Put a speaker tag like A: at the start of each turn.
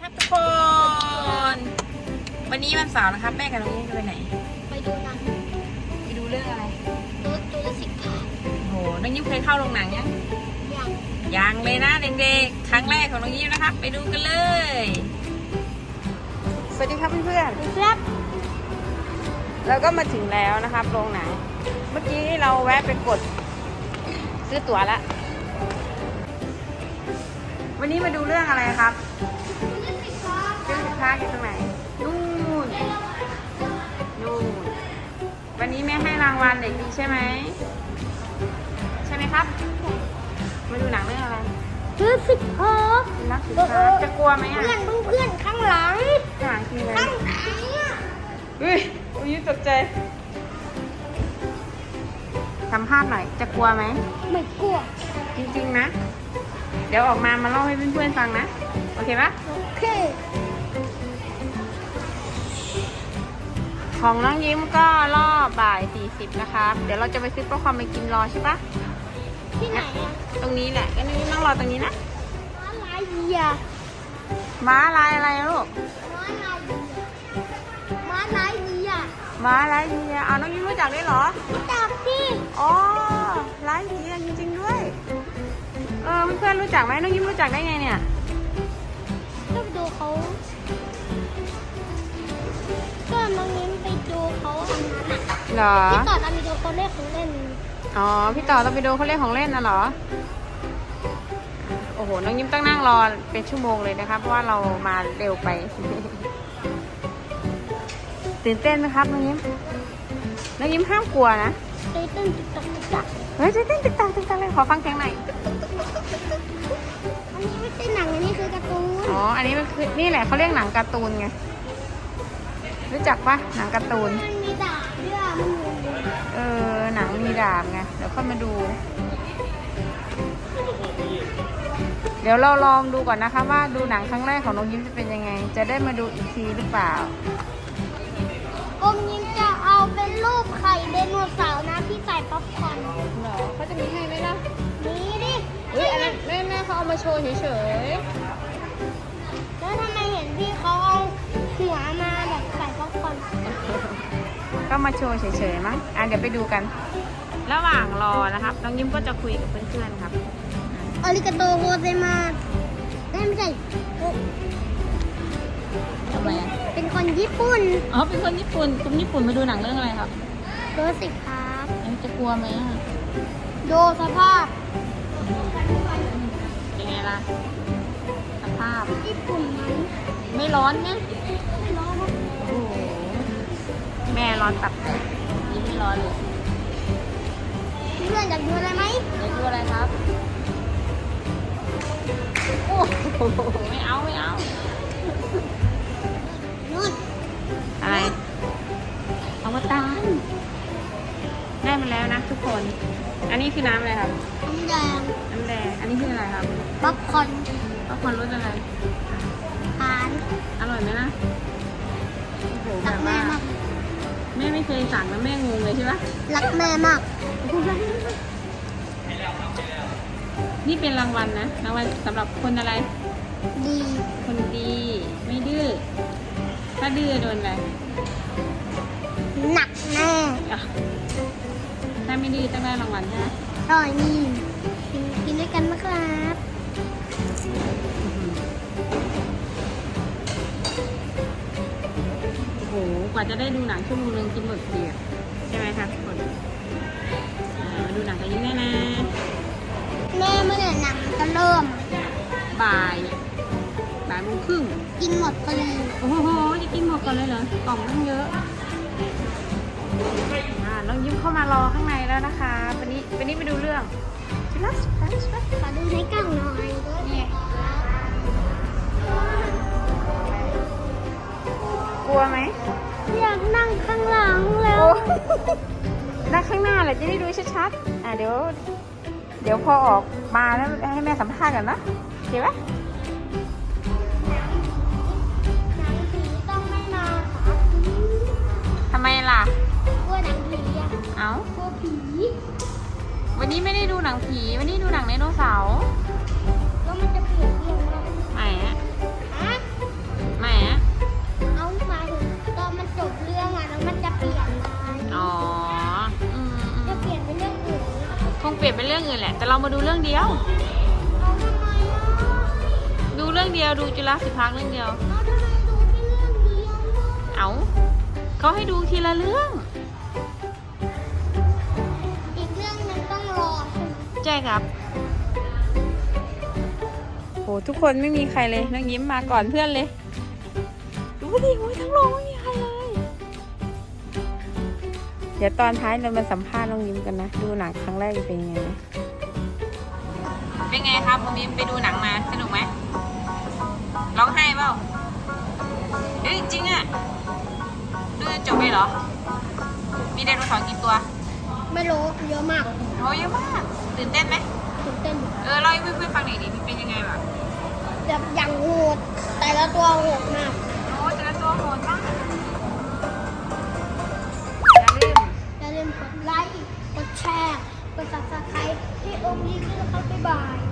A: ครับทุกคน วันนี้วันเสาร์นะครับแม่กับน้องยิ้มจะไปไหน
B: ไปดูหนัง
A: ไปดูเรื่องอะไร
B: ดูสิกา
A: โหน้องยิ้มเคยเข้าโรงหนังยัง
B: ยัง
A: เลยนะเด็กๆครั้งแรกของน้องยิ้มนะครับไปดูกันเลยสวัสดีครับเพื่อน
B: ๆครับ
A: เราก็มาถึงแล้วนะครับโรงหนังเมื่อกี้เราแวะไปกดซื้อตั๋วแล้ววันนี้มาดูเรื่องอะไรครับเรื่องสินค้าอยู่ตรงไหนนู่นวันนี้แม่ให้รางวัลเด็กดีใช่ไหมครับมาดูหนังเรื่องอะไร
B: ดูสิกา
A: นักศึกษาจะกลัวไหมอ่ะ
B: เพื่อนข้างหลัง
A: คืออะไร
B: ข้างหลัง
A: เฮ้ยยิ้มตกใจสัมภาษณ์หน่อยจะกลัวไหม
B: ไม่กลัว
A: จริงๆนะเดี๋ยวออกมาเล่าให้เพื่อนๆฟังนะโอเคปะ
B: โอเค
A: ของน้องยิ้มก็รอบบ่าย40นะครับเดี๋ยวเราจะไปซื้อป๊อปคอร์นไปกินรอใช่ปะ
B: ที่ไหนอะ
A: ตรงนี้แหละก็นี่นั่งรอตรงนี้นะ
B: ม้าลายเยีย
A: ม้าลายอะไรลูก
B: ม้าลายเยีย
A: เอาน้องยิ้มรู้จักด้วยเหรอ
B: รู้จักสิ
A: อ๋อลายเยียจริงๆด้วยเพื่อนๆรู้จักไหมน้องยิ้มรู้จักได้ไงเนี่ย
B: ก็ดูเขาก็น้องยิ้มไปดูเขาทำนั้นอะ
A: เหรอ
B: พี่ต่อตอนไปดูเขาเล่นของเล่น
A: อ๋อพี่ต่อเราไปดูเขาเล่นของเล่นน่ะเหรอโอ้โหน้องยิ้มต้องนั่งรอเป็นชั่วโมงเลยนะคะเพราะว่าเรามาเร็วไปตื่นเต้นไหมครับน้องยิ้มห้ามกลัวนะ
B: เต้นติ๊กตัก
A: เฮ้ยเต้นติ๊กตักเลยขอฟังเสียงหน่อย
B: อันนี้ไม่ใช่หนังอันนี้คือการ์ตูน
A: อ๋ออันนี้มันคือนี่แหละเขาเรียกหนังการ์ตูนไงรู้จักปะหนังการ์ตูน
B: มันมีดาบด้วยมัน
A: หนังมีดาบไงเดี๋ยวค่อยมาดูเดี๋ยวเราลองดูก่อนนะคะว่าดูหนังครั้งแรกของน้องยิ้มจะเป็นยังไงจะได้มาดูอีกทีหรือเปล่า
B: อมยิ้มจะเอาเป็นรูปไข่ไดโนเสาร์นะที่ใส่ป๊อปคอร์น
A: เหรอเขาจะมีให้ไหมล่ะ
B: มีดิ
A: อันนั้นแม่เขาเอามาโชว์เฉย
B: ๆแล้วทำไมเห็นพี่เขาเอาหัวมาแบบใส่ป๊อปคอร์น
A: ก็มาโชว์เฉยๆมั้งเดี๋ยวไปดูกันระหว่างรอนะครับน้องยิ้มก็จะคุยกับเพื่อนๆครับ
B: อาริกาโตโฮเซมาไม่ใช่
A: ทำไม
B: เป็นคนญี่ปุ่น
A: เป็นคนญี่ปุ่นมาดูหนังเรื่องอะไรครับ
B: ดูสิครับ
A: จะกลัวไหม
B: ดูสภาพ
A: เป็นไงล่ะสภาพ
B: ญี่ปุ่นไหม
A: ไม่ร้อนไง
B: ไม่ร้อนนะ
A: โอ้โหแม่ร้อนตับยิ้มไม่ร้อนเลย
B: เพื่อนอยากดูอะไรไหม
A: อยากดูอะไรครับโอ้โหไม่เอา
B: นู่น
A: อะไรอวตารได้มาแล้วนะทุกคนอันนี้คือน้ำอะไรครับ
B: น้ำแดง
A: อันนี้คืออะไรครับ
B: ป๊อปคอร์น
A: รสอะไร
B: ทาน
A: อร่อยไหมล่ะโอ้โหแบบว่าแม่ไม่เคยสั่งแล้วแม่งงเลยใช่ปะ
B: รักแม่มาก
A: นี่เป็นรางวัลนะรางวัลสำหรับคนอะไร
B: ดี
A: คนดีไม่ดื้อถ้าดื้อโดนอะไร
B: หนักแน่
A: ถ้าไม่ดื้อต้องได้รางวัลใช่ไหม
B: อร่อยนี่กินด้วยกันนะครับ
A: โอ้โหกว่าจะได้ดูหนังชั่วโมงนึงกินหมดเดียวใช่ไหมครับทุกคนมาดูหนังกันยิ้มได้นะ
B: แม่เมื่อหนังจะเริ่ม
A: บ่ายโมงครึ่ง
B: กินหมดพอดี
A: โอ้โหจะกินหมดก่อนเลยเหรอกล่องตั้งเยอะน้องยิ้มเข้ามารอข้างในแล้วนะคะวันนี้ไปดูเรื่องชิลัส
B: ขอดูในกล่องหน่อย
A: นี่กลัวไหม
B: อยากนั่งข้างหลังแล้ว
A: นั่งข้างหน้าแหละจะได้ดูชัดๆเดี๋ยวพอออกมาแล้วให้แม่สัมภาษณ์กันนะเห็นไหม
B: หนังผีต้องไม่มาค่ะ
A: ทำไมล่ะ
B: กลัวหนังผีกลัวผี
A: วันนี้ไม่ได้ดูหนังผีวันนี้ดูหนังไดโนเสาร์
B: แล้วมันจะเปลี่ยนเรื่องอะไร
A: ไหนเรามาดูเรื่องเดียว
B: เอาทำไมอ่ะ
A: ดูเรื่องเดียวดูจุฬาสิพาร์คเรื่องเดียว
B: เอาทำไมดูแค่เรื่องเดียวอ่ะ
A: เอาเขาให้ดูทีละเรื่อง
B: อีกเรื่องหนึงต้องรอใช่ไหม
A: ใช่ครับโหทุกคนไม่มีใครเลยน้องยิ้มมาก่อนเพื่อนเลย ดูดิโอ้ยทั้งโรงไม่มีใครเลย เดี๋ยวตอนท้ายเรามาสัมภาษณ์น้องยิ้มกันนะ ดูหนังครั้งแรกเป็นยังไงนะเป็นไงครับน้องยิ้มไปดูหนังมาสนุกไหมร้องไห้เปล่าเฮ้ยจริงอะดูจนจบเลยเหรอ มีไดโนเสาร์กี่ตัว
B: ไม่รู้เยอะมาก
A: โอ้เยอะมากตื่นเต้นไหม
B: ตื่นเต้น
A: เล่าให้เพื่อนๆฟังหน่อยดิมันเป็นยังไงแบบ
B: แบบอย่างโหดแต่ละตัวโหดมาก
A: โอ้แต่ละตัวโหดมากอย่าลืม
B: อย่าลืมกดไลค์ กดแชร์ กด subscribe ให้องค์นี้ด้วยนะครับบ๊ายบาย